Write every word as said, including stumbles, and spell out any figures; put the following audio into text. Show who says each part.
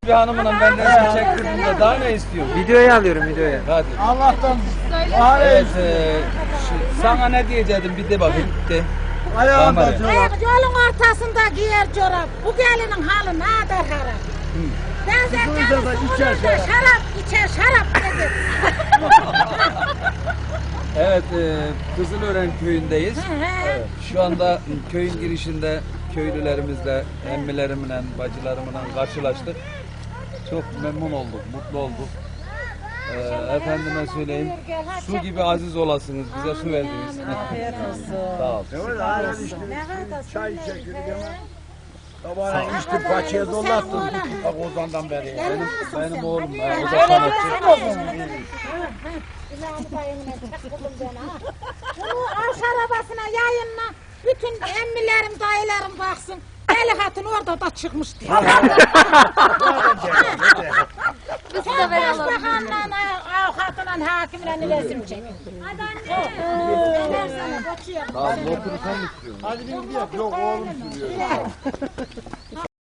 Speaker 1: Bir hanımla ben resim çektirdim de daha ne istiyor?
Speaker 2: Videoya alıyorum videoya.
Speaker 1: Hadi.
Speaker 3: Allah'tan
Speaker 1: Evet, e, şu- sana ne diyecektim bir de bakayım. De.
Speaker 3: ayağında
Speaker 1: Tamam,
Speaker 3: çorap.
Speaker 4: Ayak yolun ortasında giyer çorap. Bu gelinin halı ne kadar harap. Ben sen
Speaker 3: Duysa da içer
Speaker 4: şarap. şarap içer şarap dedi.
Speaker 1: Evet, e, Kızılören köyündeyiz.
Speaker 4: Hı hı.
Speaker 1: Evet, şu anda köyün girişinde köylülerimizle, emmilerimle, bacılarımla karşılaştık. Çok memnun olduk, mutlu olduk. Ee, efendime söyleyeyim, su gibi aziz olasınız, bize su verdiniz. Sağ ol.
Speaker 3: Evet, aynen işte. Çay çekildik hemen. Sabahleyin içtim, paçaya dolattım. Bak ozandan beri.
Speaker 1: Benim, benim oğlum, e, o da sanatçı.
Speaker 4: Bunu aş arabasına yayınla. Bütün emmilerim, dayılarım baksın. Deli hatun orada da çıkmış diye. Sen başbakanla, avukatla, hakimle resim çek. Ben sana kaçıyorum.
Speaker 1: Tamam, oturursan istiyorum.
Speaker 3: Hadi bir gidelim. Yok oğlum sürüyor.